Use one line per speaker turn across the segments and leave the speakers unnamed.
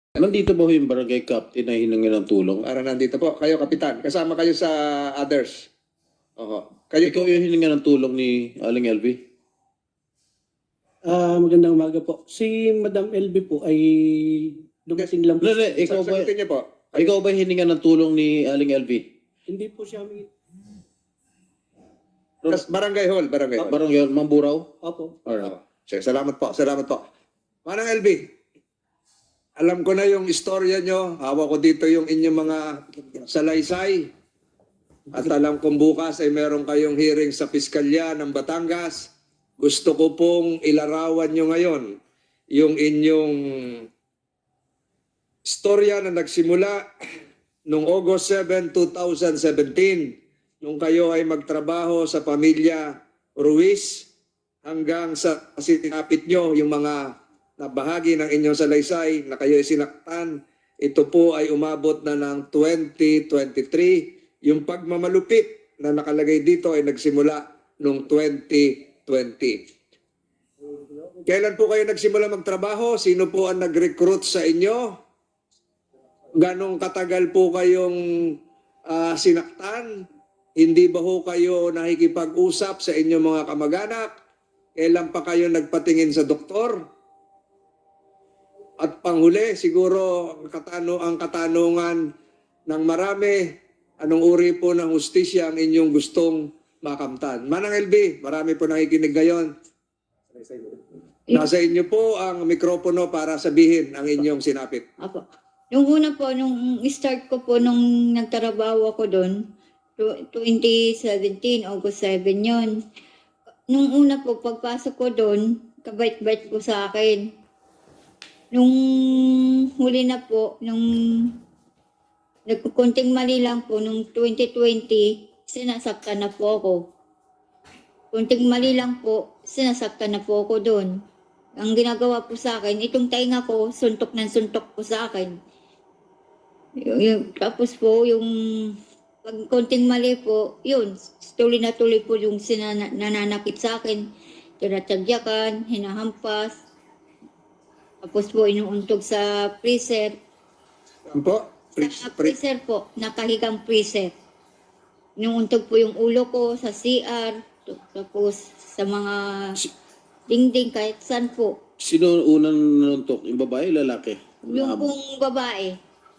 Nandito ba ho yung barangay captain na hiningi ng tulong?
Para nandito po. Kayo, Kapitan. Kasama kayo sa others. Oho. Kayo
Ikaw yung hiningi ng tulong ni Aling LV?
Magandang umaga po. Si Madam LB po ay dumating lang po.
Hindi, ikaw ba,
Sagutin niyo po.
ikaw ba hiningi ng tulong ni Aling LV?
Hindi po siya may...
Barangay Hall. Barangay Hall.
Barangay Mamburaw?
Opo.
Alright.
Sige, salamat po. Salamat po. Manang LB, alam ko na yung istorya nyo. Hawak ko dito yung inyong mga salaysay. At alam kong bukas ay meron kayong hearing sa Piskalya ng Batangas. Gusto ko pong ilarawan nyo ngayon yung inyong istorya na nagsimula noong August 7, 2017 nung kayo ay magtrabaho sa pamilya Ruiz hanggang sa sinapit nyo yung mga nabahagi ng inyong salaysay na kayo ay sinaktan. Ito po ay umabot na ng 2023. Yung pagmamalupit na nakalagay dito ay nagsimula noong 2020. Kailan po kayo nagsimula magtrabaho? Sino po ang nag-recruit sa inyo? Ganong katagal po kayong sinaktan? Hindi ba ho kayo nakikipag-usap sa inyong mga kamag-anak? Kailan pa kayo nagpatingin sa doktor? At panghuli, siguro ang katanungan ng marami, anong uri po ng hustisya ang inyong gustong makamtan? Manang LB, marami po nakikinig ngayon. Nasa inyo po ang mikropono para sabihin ang inyong sinapit.
Apo. Nung una po, nung start ko po, nung nagtrabaho ako doon, 2017, August 7 yon. Nung una po, pagpasok ko doon, kabait-bait po sa akin. Nung huli na po, nung nagkukunting mali lang po, nung 2020, sinasaktan na po ako. Kunting mali lang po, sinasaktan na po ako doon. Ang ginagawa po sa akin, itong tainga ko, suntok ng suntok po sa akin. Tapos po, yung pag konting mali po, yun, tuloy po yung nananakit sa akin. Tinatagyakan, hinahampas. Tapos po, inuuntog sa freezer.
Ano po?
Sa freezer po, nakahigang freezer. Inuuntog po yung ulo ko sa CR. Tapos sa mga dingding, kahit saan po.
Sino unang nanuntok? Yung babae, lalaki?
Yung pong babae.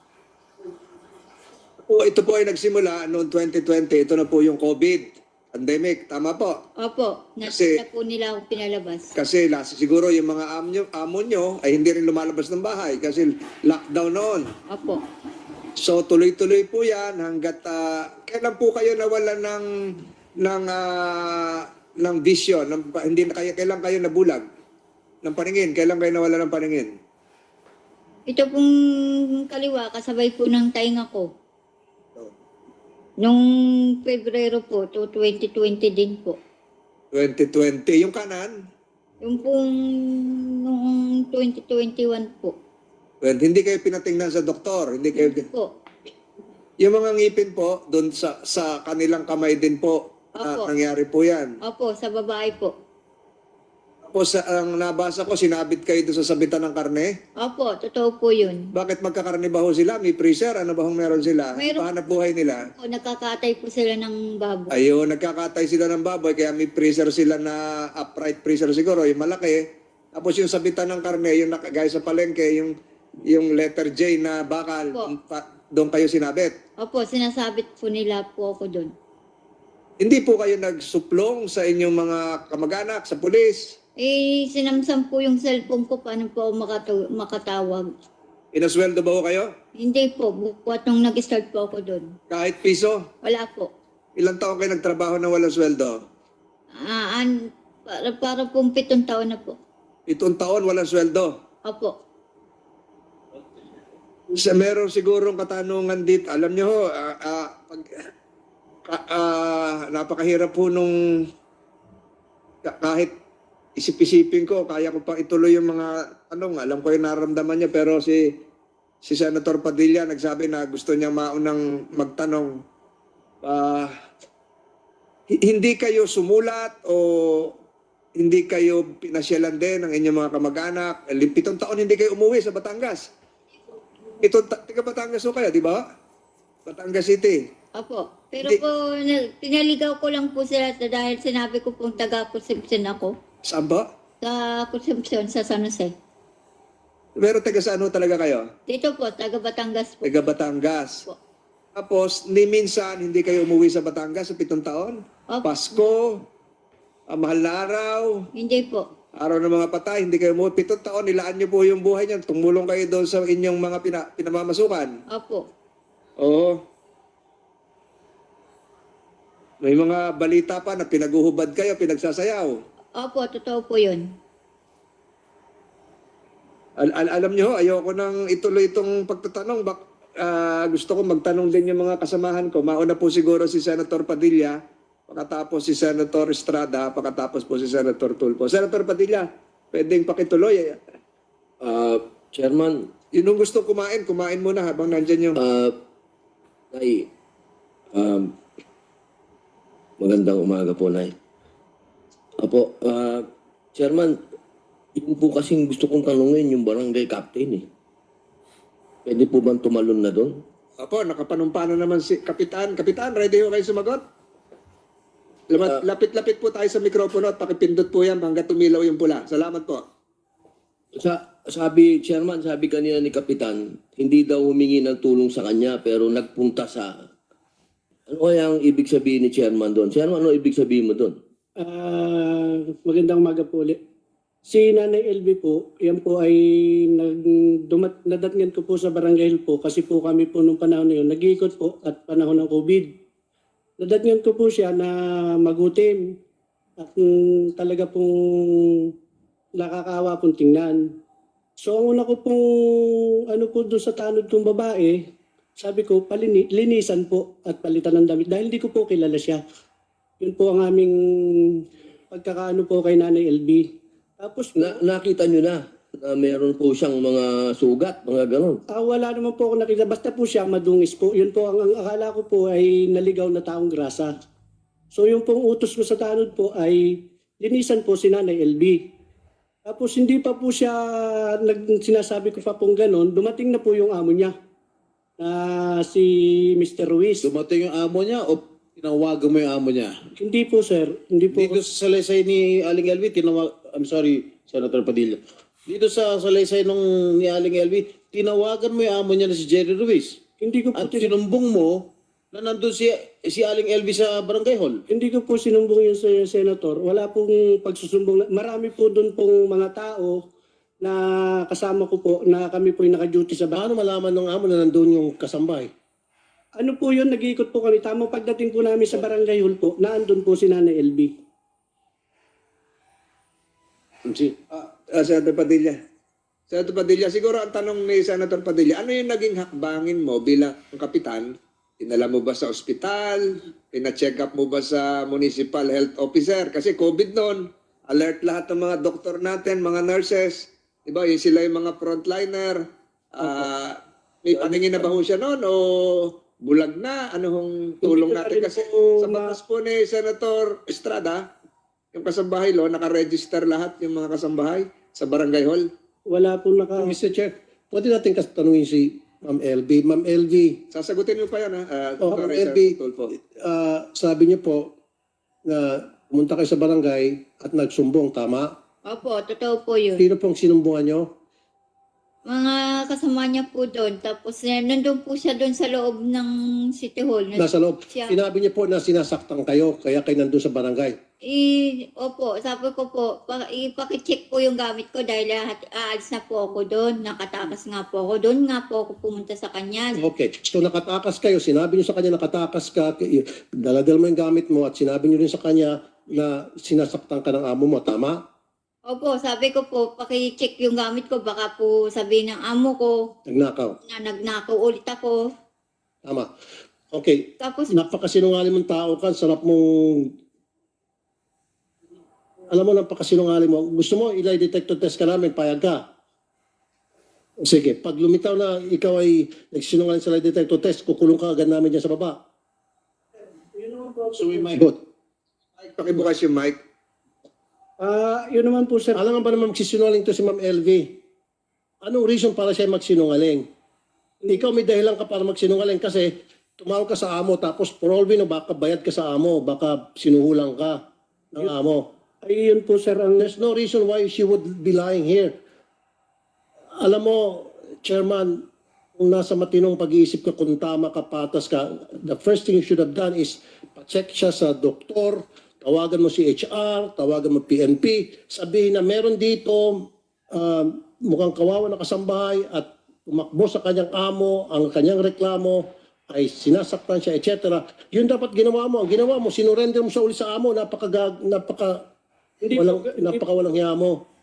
Ito po ay nagsimula noong 2020. Ito na po yung COVID pandemic. Tama po?
Opo,
Kasi-
nakita po nila ako pinalabas.
Kasi siguro yung mga amo nyo ay hindi rin lumalabas ng bahay kasi lockdown noon.
Opo.
So tuloy-tuloy po yan hanggat kailan po kayo nawala ng vision, kailan kayo nabulag ng paningin, kailan kayo nawala ng paningin?
Ito pong kaliwa, kasabay po ng tainga ko. Nung Pebrero po, to 2020 din po.
2020. Yung kanan,
Yung pong noong 2021 po.
hindi kayo pinatingnan sa doktor, hindi kayo
Po.
yung mga ngipin po doon sa kanilang kamay din po
Opo.
nangyari po yan.
Opo, sa babae po.
Tapos ang nabasa ko, sinabit kayo doon sa sabitan ng karne.
Opo, totoo po yun.
Bakit magkakarne ba ho sila? May freezer? Ano ba hong meron sila?
Mayroon.
Pahanap buhay nila?
Opo, nakakatay po sila ng baboy.
Ayun, nagkakatay sila ng baboy, kaya may freezer sila na upright freezer siguro, yung malaki. Tapos yung sabitan ng karne, yung gaya sa palengke, yung letter J na bakal,
Opo.
doon kayo sinabit.
Opo, sinasabit po nila po ako doon.
Hindi po kayo nagsuplong sa inyong mga kamag-anak, sa pulis?
Sinamsam po yung cellphone ko, paano po ako makatawag.
Inasweldo ba ho kayo?
Hindi po, bukwat nung nag-start po ako doon.
Kahit piso?
Wala po.
Ilang taon kayo nagtrabaho na walang sweldo?
Para pong 7 taon na po.
7 taon walang sweldo?
Opo.
Meron sigurong katanungan dito. Alam niyo ho, napakahirap po nung kahit isip-isipin ko, kaya ko pang ituloy yung mga tanong. Alam ko yung nararamdaman niya, pero si Senator Padilla nagsabi na gusto niya maunang magtanong. Hindi kayo sumulat o hindi kayo pinasyalan din ng inyong mga kamag-anak? 7 taon hindi kayo umuwi sa Batangas. Ito, taga Batangas ho kayo, di ba? Batangas City.
Opo. Pero
Hindi.
po, pinaligaw ko lang po sila dahil sinabi ko pong taga-consumption ako.
Saan ba?
Sa consumption sa San Jose.
Pero taga saan ho talaga kayo?
Dito po, taga-Batangas po.
Taga Batangas.
Po.
Tapos, ni minsan, hindi kayo umuwi sa Batangas sa 7 taon?
Opo.
Pasko, mahal na araw,
Hindi po.
araw ng mga patay, hindi kayo umuwi. 7 taon, nilaan niyo po yung buhay niyan. Tumulong kayo doon sa inyong mga pinamamasukan.
Opo.
Oo. May mga balita pa na pinaguhubad kayo, pinagsasayaw.
Opo, totoo po yun.
Alam niyo, ayoko nang ituloy itong pagtatanong. Gusto ko magtanong din yung mga kasamahan ko. Mauna po siguro si Senator Padilla, pakatapos si Senator Estrada, pakatapos po si Senator Tulfo. Senator Padilla, pwedeng pakituloy.
Chairman,
Yun yung gusto kumain muna habang nandyan yung...
Nay, magandang umaga po, Nay. Apo, Chairman, yun po kasing gusto kong tanungin yung barangay captain eh. Pwede po bang tumalon na doon?
Apo, nakapanumpano naman si Kapitan. Kapitan, ready ho kayo sumagot? Lapit-lapit po tayo sa mikropono at pakipindot po yan hanggang tumilaw yung pula. Salamat po.
Sabi, Chairman, sabi kanina ni Kapitan, hindi daw humingi ng tulong sa kanya pero nagpunta sa... Ano kaya ang ibig sabihin ni Chairman doon? Chairman, ano ibig sabihin mo doon?
Magandang umaga po ulit. Si Nanay LB po, yan po ay nadatngan ko po sa Barangay Hill po kasi po kami po nung panahon na yun, nag-iikot po at panahon ng COVID. Nadatngan ko po siya na magutim at talaga pong nakakaawa pong tingnan. So ang una ko pong ano po doon sa tanod kong babae, sabi ko linisan po at palitan ng damit dahil hindi ko po kilala siya. Yun po ang aming pagkakaano po kay Nanay LB. Tapos
Nakita nyo na meron po siyang mga sugat, mga ganon.
wala naman po ako nakita. Basta po siya madungis po. Yun po, ang akala ko po ay naligaw na taong grasa. So yung pong utos ko sa tanod po ay linisan po si Nanay LB. Tapos hindi pa po siya, sinasabi ko pa pong ganon, dumating na po yung amo niya na si Mr. Ruiz.
Dumating yung amo niya o tinawagan mo yung amo niya?
Hindi po sir, hindi po.
Dito sa salaysay ni Aling Elvi, I'm sorry, Senator Padilla. Dito sa salaysay ni Aling Elvi, tinawagan mo yung amo niya na si Jerry Ruiz.
Hindi ko po,
At sinumbong mo na nandun si Aling Elvi sa barangay hall.
hindi ko po sinumbong yung senator. Wala pong pagsusumbong. Marami po doon pong mga tao na kasama ko po na kami po yung naka-duty sa bahay.
Paano malaman ng amo na nandun yung kasambay?
Ano po yun, nag-iikot po kami. Tamang pagdating po namin sa barangay hall po, naandun po si Nanay LB.
Senator Padilla. Senator Padilla, siguro ang tanong ni Senator Padilla, ano yung naging hakbangin mo bilang kapitan? Dinala mo ba sa ospital? Pina-check up mo ba sa municipal health officer? Kasi COVID noon, alert lahat ng mga doktor natin, mga nurses. Diba, yung sila yung mga frontliner. May paningin na ba ho siya noon o bulag na? Anong tulong
Hindi ko
natin?
rin
Kasi
po
sa batas po ni Senator Estrada, yung kasambahay lo, nakaregister lahat yung mga kasambahay sa barangay hall.
Wala po
Mr. Chair, pwede natin tanungin si Ma'am LB. Ma'am LB,
Sasagutin mo pa yan, ha?
Ma'am
Sir
LB,
Tulfo.
sabi niyo po na pumunta kayo sa barangay at nagsumbong, tama?
Opo, totoo po yun.
Sino pong sinumbungan niyo?
Mga kasama niya po doon. Tapos nandun po siya doon sa loob ng City Hall.
Nasa loob.
Siya.
Sinabi niyo po na sinasaktan kayo, kaya kayo nandun sa barangay.
Opo, sabi ko po, ipakicheck po yung gamit ko dahil aalis na po ako doon. Nakatakas nga po ako doon. Nga po ako pumunta sa kanya.
Okay. So nakatakas kayo, sinabi niyo sa kanya nakatakas ka, daladal mo yung gamit mo at sinabi niyo rin sa kanya na sinasaktan ka ng amo mo, tama?
Opo, sabi ko po, pakicheck yung gamit ko. Baka po sabihin ng amo ko
Nagnakaw.
na nagnakaw ulit ako.
Tama. Okay.
Tapos,
Napakasinungaling mong tao ka, sarap mong... Alam mo, napakasinungaling mo. Gusto mo, ilay detector test ka namin, payag ka. Sige, pag lumitaw na ikaw ay nagsinungaling sa lie detector test, kukulong ka agad namin dyan sa baba.
So we might...
Good.
Pakibukas yung mic.
Yun naman po sir.
Alam nga ba naman magsisinungaling to si Ma'am LV? Anong reason para siya magsinungaling? Ikaw may dahilan ka para magsinungaling kasi tumawag ka sa amo tapos for all we know, baka bayad ka sa amo, baka sinuhulang ka ng amo.
Ay, yun po, sir, ang
There's no reason why she would be lying here. Alam mo, Chairman, kung nasa matinong pag-iisip ka, kung tama ka, patas ka, the first thing you should have done is pa-check siya sa doktor, tawagan mo si HR, tawagan mo PNP, sabihin na meron dito mukhang kawawa na kasambahay at tumakbo sa kanyang amo, ang kanyang reklamo ay sinasaktan siya, etc. Yun dapat ginawa mo. Ang ginawa mo, sinurrender mo siya uli sa amo, napakawalang hiya mo.